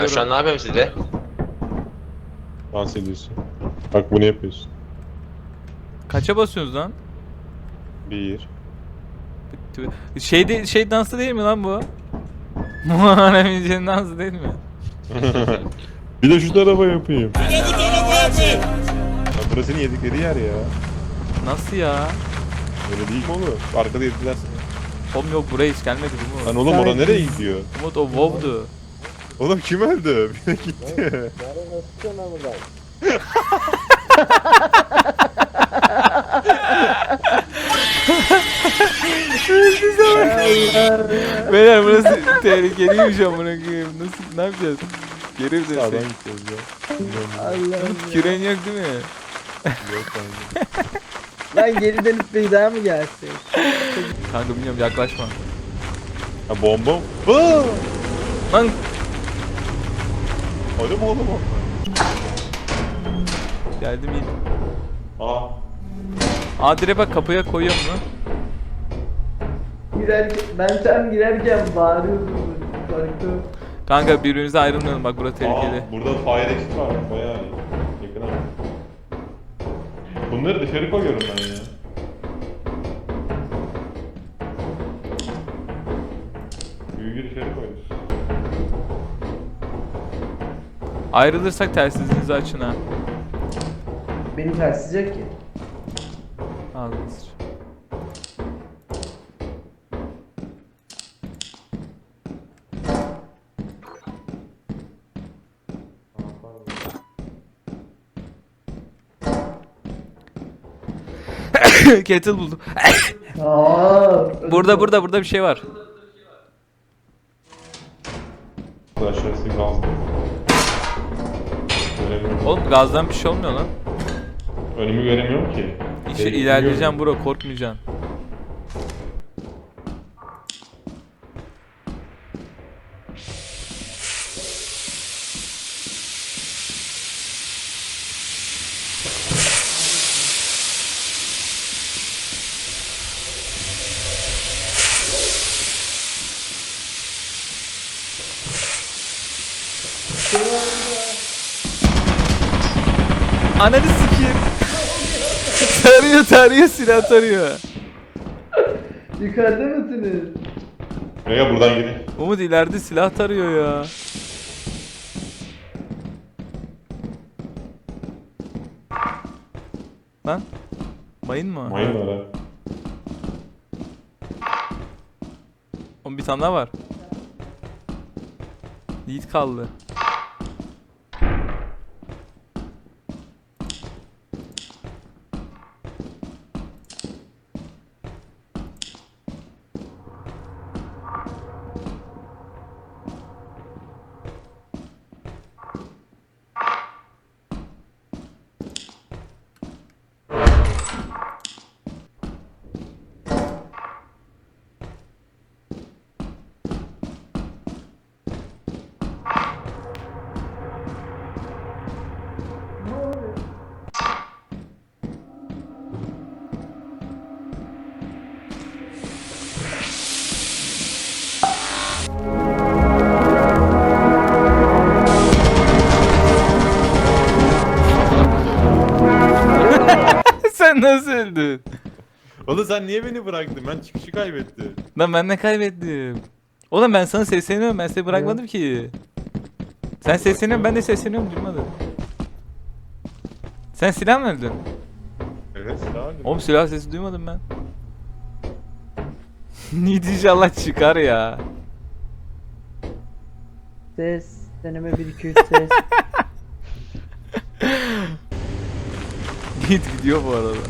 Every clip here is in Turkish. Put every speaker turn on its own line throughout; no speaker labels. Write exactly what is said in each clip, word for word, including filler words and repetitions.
Ben şu an ne yapıyorum sizde?
Dans ediyorsun. Bak bunu yapıyorsun.
Kaça basıyorsunuz lan?
Bir.
Şey de, şey dansı değil mi lan bu? Muharrem İnce'nin dansı değil mi?
Bir de şu tarafa yapayım. Bir de bu tarafa yapayım. Burası yedikleri yer ya.
Nasıl ya?
Öyle değil mi oğlum? Arkada yediler seni.
Oğlum yok buraya hiç gelmedi bu
Lan
mu?
oğlum oraya nereye gidiyor?
Umut o WoW'du.
Oğlum kim öldü? Bir de gitti.
Beyler burası tehlikeliymiş amına koyayım. Nasıl, ne yapacağız? Geri mi
Sağdan
dönsek?
gideceğiz ya.
Umut küren yok değil mi?
Yok kanka.
Lan geri dönüp bir daha mı gelsin?
Kanka bilmiyorum yaklaşma.
Ha bomba. Aa!
Lan
Öyle mi oğlum o?
geldim iyi.
Aa.
Aa direkt bak kapıya koyuyorum mu?
Girerken, ben tam girerken bağırıyordum. Korktum.
Kanka birbirimize ayrılmayalım bak burası tehlikeli.
Aa, burada fire exit var. Bayağı iyi. Yakın ama. Bunları dışarı koyuyorum ben ya. Büyüğü dışarı koyuyoruz.
Ayrılırsak telsizinizi açın ha.
Beni tersizecek ki.
Ağzını sıç. Kettle buldum.
Aa,
Burada burada burada bir şey var.
Aşağısı gazlı. Göremiyorum.
Oğlum gazdan bir şey olmuyor lan.
Önümü göremiyorum ki.
İşte
Şey,
ilerleyeceğim bro, korkmayacaksın. Ananı sikeyim. tarıyor tarıyor silah tarıyor.
yukarıda mısınız?
Rega buradan gidin.
Umut ileride silah tarıyor ya. Lan mayın mı?
Mayın var ha.
Oğlum bir tane daha var. Yiğit kaldı. Sen nasıl öldün?
Oğlum sen niye beni bıraktın? Ben çıkışı kaybettim.
Lan ben ne kaybettim? Oğlum ben sana sesleniyorum, ben seni bırakmadım ki. Sen sesleniyorsun, ben de sesleniyorum, duymadın. Sen silah mı öldün?
Evet silah aldım.
Oğlum silah sesi duymadım ben. Yiğit inşallah çıkar ya.
Ses. Deneme bir iki üç ses.
Yiğit gidiyor bu arada.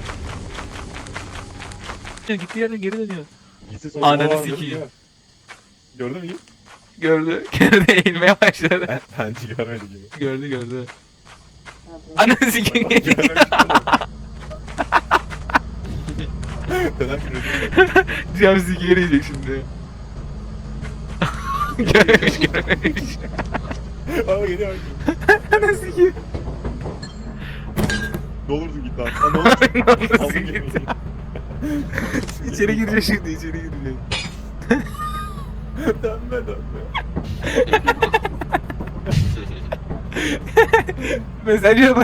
Gitti yerine geri dönüyor.
Gitsin sonra-
Ananı
Aa,
sikeyim.
gördün mü? Gördün mü?
Gördü. Gördü eğilmeye başladı.
Ben, ben çıkarmadım gibi.
Gördü gördü. Ananı sikeyim.
Neden kırıyorsun?
Cam sikeri yiyecek şimdi. Görememiş görememiş.
Ama geliyor.
Ananı sikeyim.
Ne olursun git lan. Aa, ne olursun?
Ne olursun
Aldım
git.
gemiyi.
İçeri girecek şimdi, içeri girecek.
Dönme dönme.
Mesaj yolla.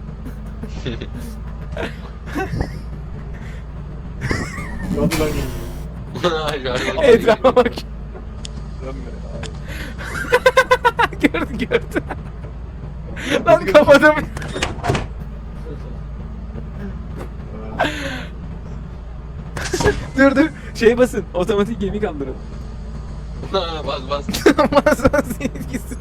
Hadi lan geliyor.
Etrafa bak. Gördü gördü. Lan kapadım. Dur dur. Şey basın. Otomatik gemi kaldırın.
bas bas.
Masa silgisi.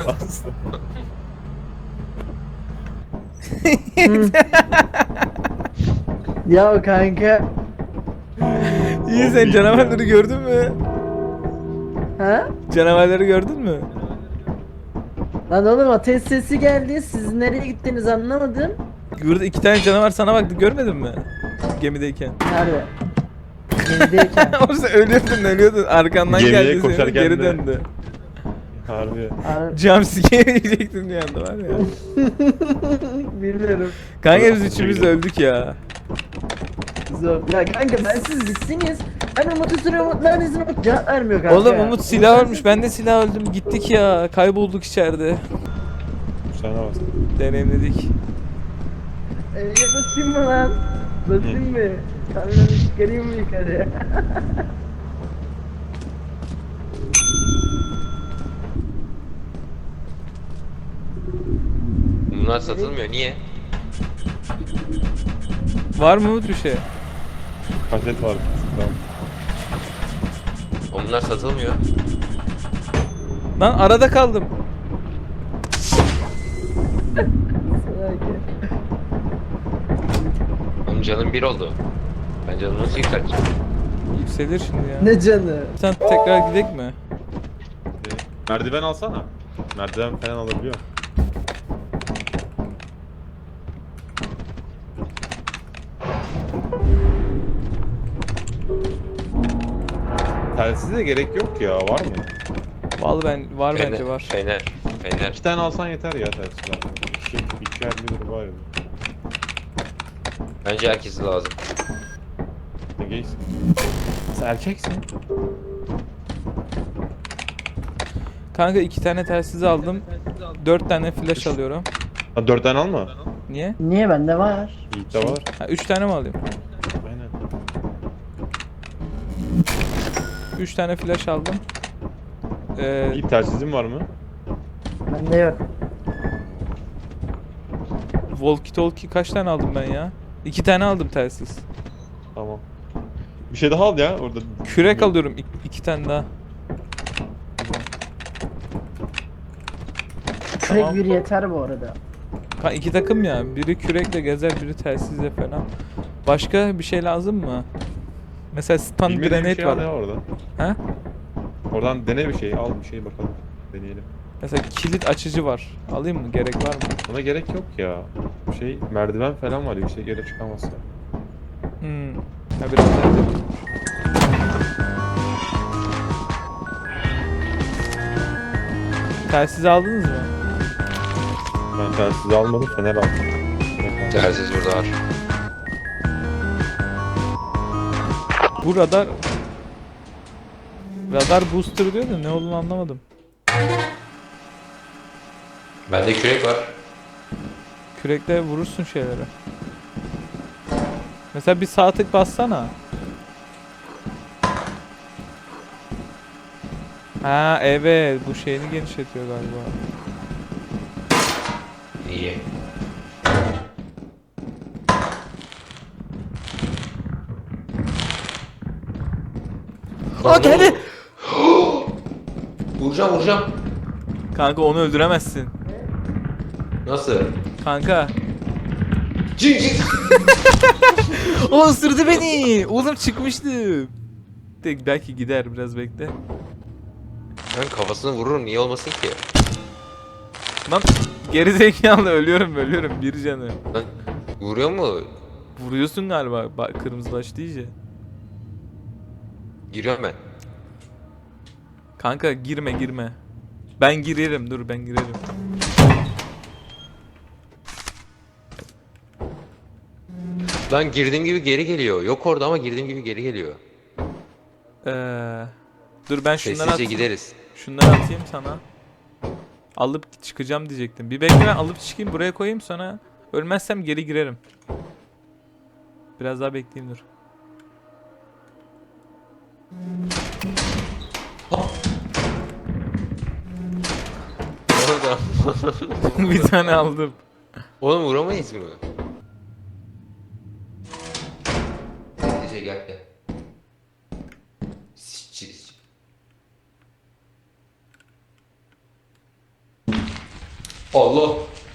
Ya kanka.
İyi sen canavarları gördün mü?
Ha?
Canavarları gördün mü?
Lan oğlum ateş sesi geldi. Siz nereye gittiniz anlamadım.
Burada iki tane canavar sana baktı görmedin mi? Gemideyken.
Nerede? Gemideyken.
Oğlum sen ölüyordun ölüyordun arkandan
Gemiye
geldi seni
koşarken
geri
de-
döndü.
Harbi.
Ar-
Jumpscare yiyecektin bir anda var ya.
Bilmiyorum.
Kanka biz üçümüz öldük ya.
Zor. Ya kanka ben siz gitsiniz. Ben Umut'u sürüyorum. Umut neredesin? Umut cevap vermiyor kanka.
Oğlum Umut silah ölmüş ben de silah öldüm gittik ya kaybolduk içeride.
Sana bas.
Deneyimledik.
Ee, basayım mı lan? Basayım mı? Kamyonu çıkarayım mı yukarı?
Bunlar satılmıyor. Niye?
Var mı Umut bir şey?
Kaset var. Tamam.
Bunlar satılmıyor.
Lan arada kaldım.
Oğlum canım bir oldu. Ben canımı nasıl yükselteceğim?
Yükselir şimdi ya.
Ne canı?
Sen tekrar gidek mi?
Merdiven alsana. Merdiven falan alabiliyor. Telsize gerek yok ya, var mı?
Vallahi ben var
Fener,
bence var.
Fener. Fener.
İki tane alsan yeter ya telsizler. İki, iki elli lira var ya.
Bence herkese lazım.
Ne geysin? Sen erkeksin.
Kanka iki tane telsiz aldım. Dört tane flash alıyorum.
Ha dört tane alma.
Niye?
Niye bende var?
Yiğit'te var.
Ha üç tane mi alayım?
Aynen.
Üç tane flash aldım. Ee,
Yiğit telsizin var mı?
Bende yok.
walkie talkie kaç tane aldım ben ya? İki tane aldım telsiz.
Tamam. Bir şey daha al ya orada.
Kürek alıyorum ik- iki tane daha.
Kürek
Tamam.
bir yeter bu arada.
Ka iki takım ya. Biri kürekle gezer, biri telsizle falan. Başka bir şey lazım mı? Mesela stun
Bilmediğin bir
grenade
şey al ya
var.
oradan.
Ha?
Oradan dene bir şey, al bir şey bakalım. Deneyelim.
Mesela kilit açıcı var. Alayım mı? Gerek var mı?
Ona gerek yok ya. Şey merdiven falan var, yüksek yere çıkamazsa.
Hmm. Ha biraz daha edelim. Telsiz aldınız mı?
Ben telsiz almadım, fener aldım.
Telsiz burada var.
Bu radar radar booster diyor da ne olduğunu anlamadım.
Bende kürek var.
Kürekle vurursun şeylere. Mesela bir sağ tık bassana. Ha evet bu şeyini genişletiyor galiba.
İyi.
Aa geldi.
Vuracağım vuracağım.
Kanka onu öldüremezsin.
Nasıl?
Kanka.
Cing cing.
O ısırdı beni. Oğlum çıkmıştım. Tek belki gider biraz bekle.
Ben kafasını vururum niye olmasın ki?
Lan gerizekalı ölüyorum ölüyorum bir canı.
Lan vuruyor mu?
Vuruyorsun galiba bak kırmızılaştı iyice.
Giriyorum ben.
Kanka girme girme. Ben girerim dur ben girerim.
Lan girdiğim gibi geri geliyor. Yok orada ama girdiğim gibi geri geliyor.
Ee, dur ben şunları
Sessizce
atayım.
gideriz.
Şunları atayım sana. Alıp çıkacağım diyecektim. Bir bekle, ben alıp çıkayım, buraya koyayım, sonra ölmezsem geri girerim. Biraz daha bekleyeyim, dur.
Orada.
Bir tane aldım.
Oğlum vuramayız mı? Gece gel gel. Siçi. Allah.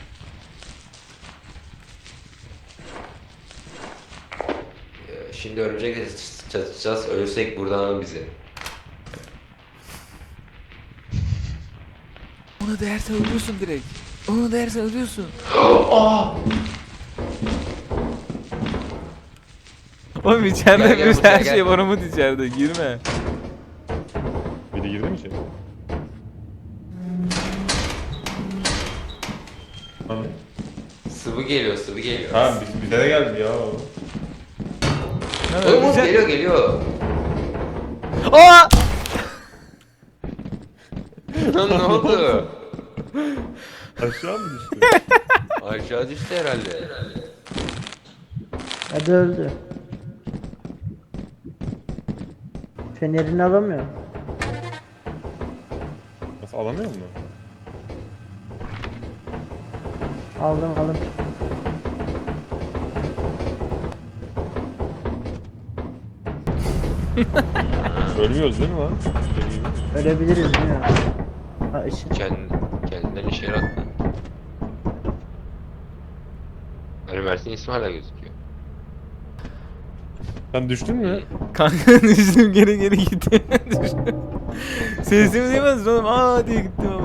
Ee, Şimdi örümcek çatışacağız. Ölürsek buradan alın bizi.
Onu değersen ölüyorsun direkt. Onu değersen ölüyorsun. Oğlum içeride
Gel, gel
bir
buraya,
her
gel.
şey var, Umut içeride, girme.
Biri girdi mi içeri? Ha,
Sıvı geliyor, sıvı geliyor.
ha biz, bize de geldi ya. o.
Ne
Oğlum oğlum,
ölecek-
geliyor geliyor.
Aa!
Lan ne oldu?
Aşağı mı düştü?
Aşağı düştü herhalde.
Hadi öldü. Fenerini alamıyor.
Nasıl alamıyor mu?
Aldım aldım.
Ölmüyoruz değil mi lan? Deli gibi.
Ölebiliriz değil mi? Ha ışın.
Kend, kendinden işe yarattı. Hani Mert'in ismi hala gözüküyor.
Sen düştün mü?
Kanka düştüm, geri geri gittim. Düştüm. Sesimi duymaz oğlum, aa diye gittim.